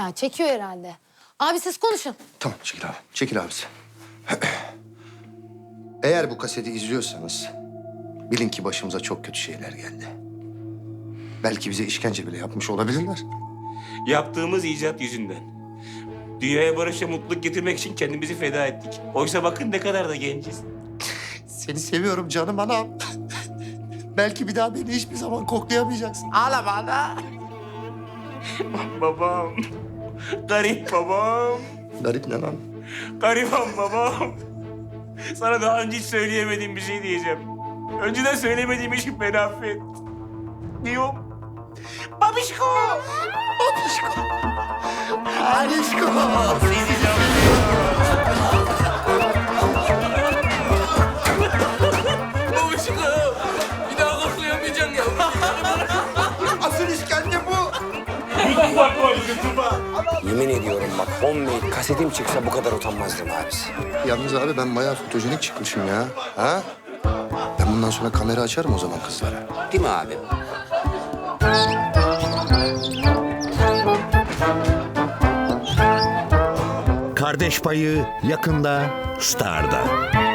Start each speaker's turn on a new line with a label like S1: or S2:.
S1: Ya çekiyor herhalde. Abi siz konuşun.
S2: Tamam çekil abi. Çekil abisi. Eğer bu kaseti izliyorsanız bilin ki başımıza çok kötü şeyler geldi. Belki bize işkence bile yapmış olabilirler.
S3: Yaptığımız icat yüzünden. Dünyaya barış ve mutluluk getirmek için kendimizi feda ettik. Oysa bakın ne kadar da genciz.
S2: Seni seviyorum canım anam. Belki bir daha beni hiçbir zaman koklayamayacaksın.
S3: Ağlama ana. Babam. Garip babam.
S2: Garip ne lan?
S3: Gariban babam. Sana daha önce hiç söyleyemediğim bir şey diyeceğim. Önceden söylemediğim için beni affet. Diyorum. Babişko.
S2: Alişko. Alişko.
S3: Sizi çok seviyorum.
S4: Babuşko, bir daha koklayamayacaksın ya.
S2: Asıl işkence bu.
S4: Yemin ediyorum bak, homemade kasetim çıksa bu kadar utanmazdım abisi.
S2: Yalnız abi ben bayağı fotojenik çıkmışım ya. Ha? Ben bundan sonra kamera açarım o zaman kızlara.
S4: Değil mi abi?
S5: Kardeş Payı yakında Star'da.